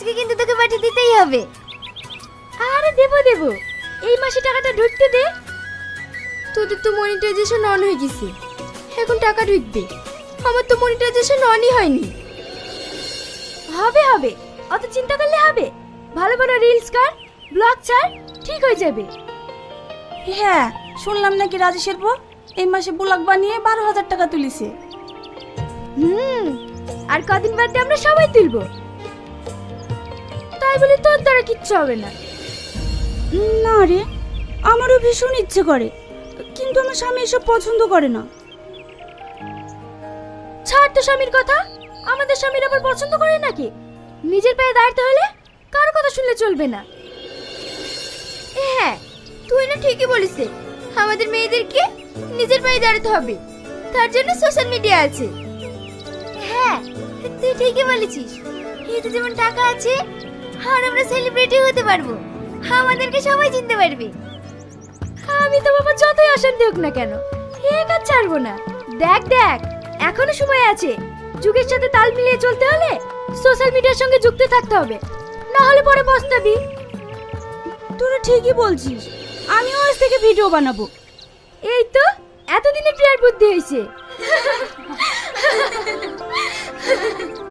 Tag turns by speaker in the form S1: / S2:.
S1: আজকে কিন্তু তোকে পাঠিয়ে দিতেই হবে।
S2: আরে দেবো দেবো, এই মাসে টাকাটা ঢুকতে দে। তোদের তো মনিটাইজেশন অন হয়ে গেছে, এখন টাকা ঢুকবে। আমার তো মনিটাইজেশন অনই হয়নি। হবে হবে, অত চিন্তা করলে হবে? ভালো ভালো রিলস কর, ব্লগ ছাড়, ঠিক হয়ে যাবে।
S3: হ্যাঁ, শুনলাম নাকি রাজেশের বউ এই মাসে ব্লগ বানিয়ে 12,000 টাকা তুলিছে।
S2: আর কদিন বাদে আমরা সবাই তুলবো। তাই বলে তোর দ্বারা কিচ্ছু হবে না।
S3: না রে, আমারও ভীষণ ইচ্ছে করে, কিন্তু আমার স্বামী এসব পছন্দ করে না।
S2: ছাড় তো স্বামীর কথা, আমাদের স্বামীর আবার পছন্দ করে নাকি? নিজের পায়ে দাঁড়াতে হলে কার কথা শুনলে চলবে না।
S1: হ্যাঁ, তুই না ঠিকই বলিস, আমাদের মেয়েদেরকে নিজের পায়ে দাঁড়াতে হবে, তার জন্য সোশ্যাল মিডিয়া আছে। হ্যাঁ, তুই ঠিকই বলেছিস, এতে যেমন টাকা আছে আর আমরা সেলিব্রিটি হতে পারবো, আমাদেরকে সবাই চিনতে পারবে।
S2: আমি তো বাবা যতই অশান্তি হোক না কেন, এই কাজ ছাড়বো না। দেখ দেখ, এখনো সময় আছে। যুগের সাথে তাল মিলিয়ে চলতে হলে সোশ্যাল মিডিয়ার সঙ্গে যুক্ত থাকতে হবে, না হলে পরে পস্তাবি।
S3: তোরা ঠিকই বলছিস, আমিও আজ থেকে ভিডিও বানাবো।
S2: এই তো এতদিনে প্রিয়ার বুদ্ধি হয়েছে।